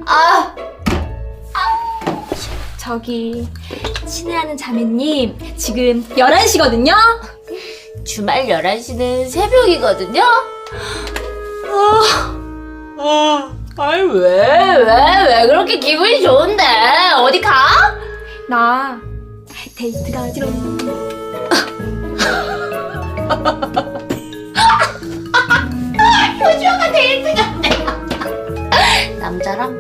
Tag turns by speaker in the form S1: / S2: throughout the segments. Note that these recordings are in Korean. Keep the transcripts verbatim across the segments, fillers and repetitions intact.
S1: 아,
S2: 저기 친애하는 자매님 지금 열한 시거든요?
S1: 주말 열한 시는 새벽이거든요? 아, 아, 아니, 왜, 왜, 왜 그렇게 기분이 좋은데? 어디 가?
S2: 나 데이트 가지로.
S1: 효주가 데이트 간대. 남자랑?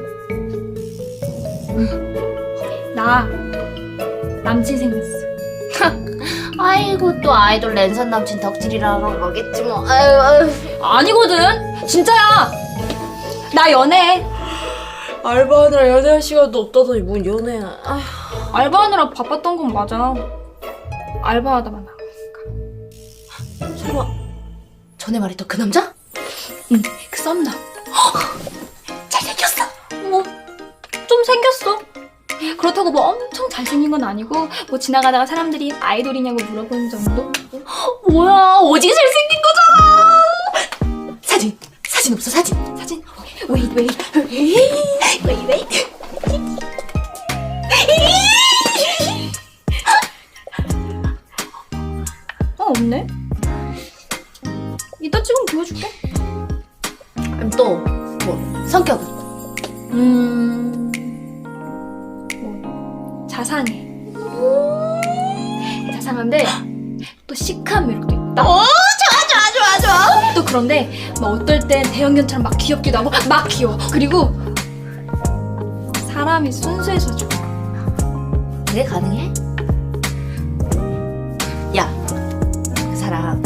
S2: 나 남친 생겼어.
S1: 아이고, 또 아이돌 랜선 남친 덕질이라는 거겠지 뭐. 아유, 아유.
S2: 아니거든. 진짜야. 나 연애.
S1: 알바하느라 연애할 시간도 없다더니 뭔 연애야. 아휴.
S2: 알바하느라 바빴던 건 맞아. 알바하다가 나.
S1: 설마 전에 말했던 그 남자?
S2: 응, 그 썸남.
S1: 잘생겼어.
S2: 뭐 좀 생겼어. 그렇다고 뭐 엄청 잘생긴 건 아니고 뭐 지나가다가 사람들이 아이돌이냐고 물어보는 정도?
S1: 뭐야, 오지게 잘생긴 거잖아. 사진, 사진 없어, 사진.
S2: 사진? 웨이트 웨이트 웨이트 웨이트. 어, 없네. 이따 찍으면 보여줄게.
S1: 그럼 또, 뭐, 성격은?
S2: 음... 뭐 자상해. 자상한데 또 시크한 매력도 있다.
S1: 오, 좋아, 좋아, 좋아, 좋아.
S2: 또 그런데 막 어떨 땐 대형견처럼 막 귀엽기도 하고 막 귀여워. 그리고 사람이 순수해서 좋아.
S1: 그게 가능해? 야, 그 사람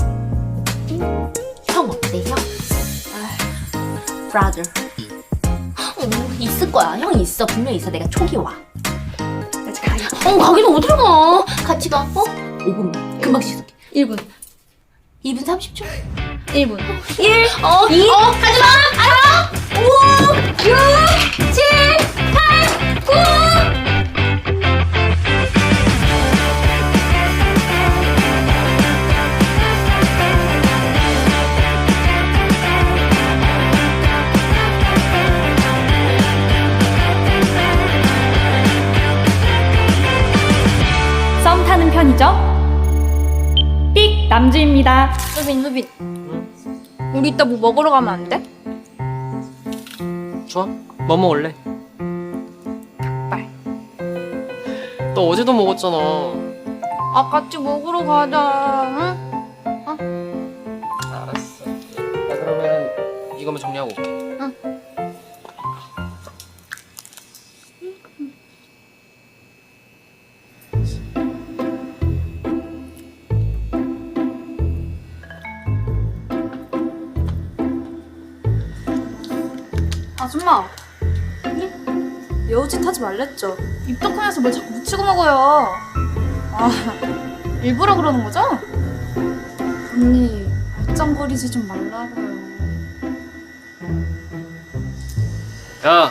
S1: 형 어때, 형? 아, brother. 어, 있을 거야. 형 있어. 분명 있어. 내가 촉이 와.
S2: 나 지금 가야.
S1: 어, 가긴 어디로 가? 같이 가. 어? 오 분만. 금방 씻을게.
S2: 일 분.
S1: 이 분 삼십 초.
S2: 일 분.
S1: 일, 어, 이, 어, 가지마! 알아! 오, 육, 칠, 팔, 구!
S2: 썸 타는 편이죠? 삑! 남주입니다. 수빈, 수빈. 우리 이따 뭐 먹으러 가면 안 돼?
S3: 좋아? 뭐 먹을래?
S2: 닭발.
S3: 너 어제도 먹었잖아.
S2: 아, 같이 먹으러 가자. 응?
S3: 알았어. 나 그러면 이거만 정리하고 올게.
S2: 아줌마. 여우짓 하지 말랬죠? 입덕하면서 뭘 자꾸 묻히고 먹어요. 아, 일부러 그러는 거죠? 언니, 말짱거리지 좀 말라고요.
S3: 야,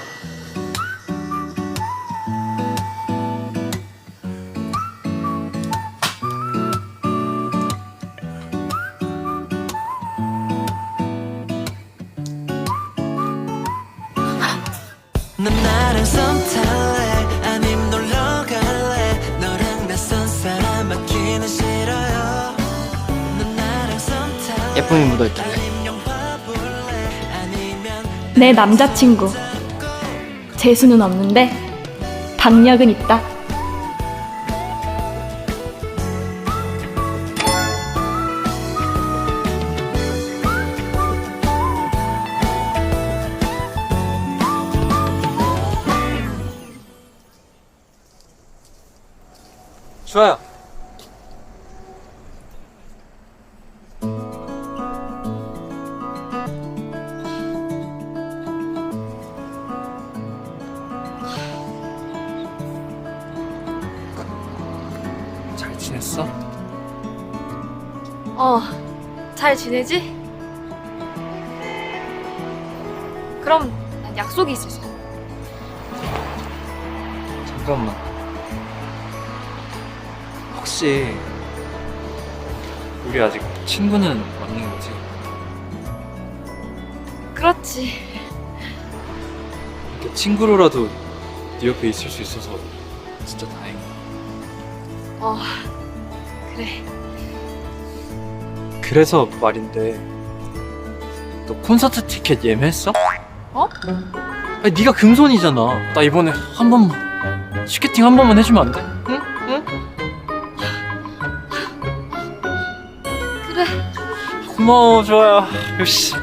S4: 넌 나랑 썸 탈래 아님 놀러 갈래 너랑 낯선 사람 맡기는 싫어요 넌 나랑 썸 탈래
S3: 예쁨이 묻어있길래.
S4: 아님 영화 볼래 아니면
S2: 내 남자친구. 재수는 없는데 박력은 있다.
S3: 주아야. 잘 지냈어?
S2: 어, 잘 지내지? 그럼 난 약속이 있어서.
S3: 잠깐만. 혹시 우리 아직 친구는 맞는 거지?
S2: 그렇지.
S5: 이렇게 친구로라도 네 옆에 있을 수 있어서 진짜 다행이야.
S2: 어, 그래.
S5: 그래서 말인데 너 콘서트 티켓 예매했어?
S2: 어?
S5: 아니 네가 금손이잖아. 나 이번에 한 번만 티켓팅 한 번만 해주면 안 돼? 응? 응?
S2: 그래.
S5: 고마워 좋아요. 역시.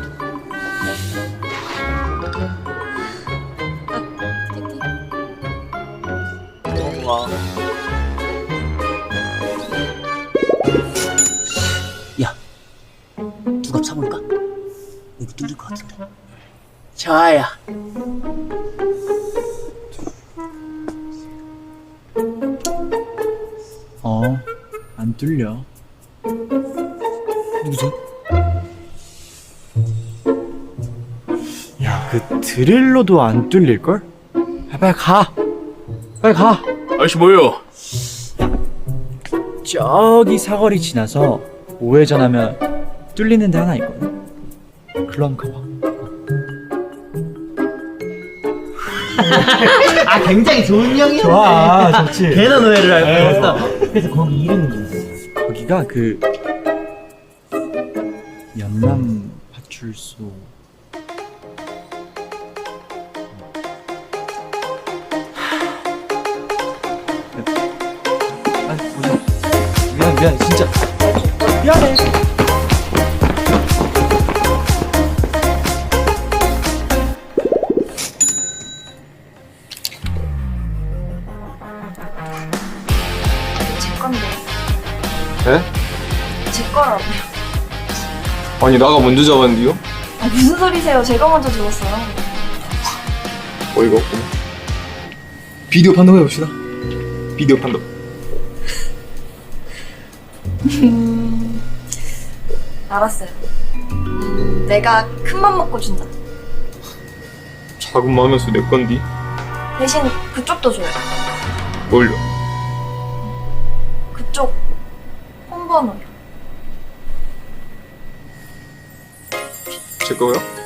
S5: 고마워.
S6: 야, 누가 차볼까? 여기 뚫릴 것 같은데. 좋아요.
S7: 어, 안 뚫려.
S6: 누구지?
S7: 야, 그 드릴로도 안 뚫릴걸? 아, 빨리 가! 빨리 가!
S5: 아저씨 뭐예요?
S7: 저기 사거리 지나서 우회전 하면 뚫리는 데 하나 있거든? 글로 한번 가봐.
S6: 아, 굉장히 좋은 형이었네.
S7: 좋아, 좋지.
S6: 걔는 오해를 알고 있어. 그래서 거기 이름이 뭐지?
S7: 거기가 그 연남 파출소. 아니 보자. 미안 미안 진짜 미안해.
S2: 제 건데.
S8: 에?
S2: 제 거라고요.
S8: 아니 나가 먼저 잡았는데요?
S2: 아, 무슨 소리세요? 제가 먼저 죽었어요.
S8: 어이가 없구나. 비디오 판독 해봅시다. 비디오 판독.
S2: 음, 알았어요. 음, 내가 큰 맘 먹고 준다.
S8: 작은 마음에서 내 건디.
S2: 대신 그쪽도 줘요.
S8: 뭘요?
S2: 그쪽 폰번호요.
S8: 제 거요?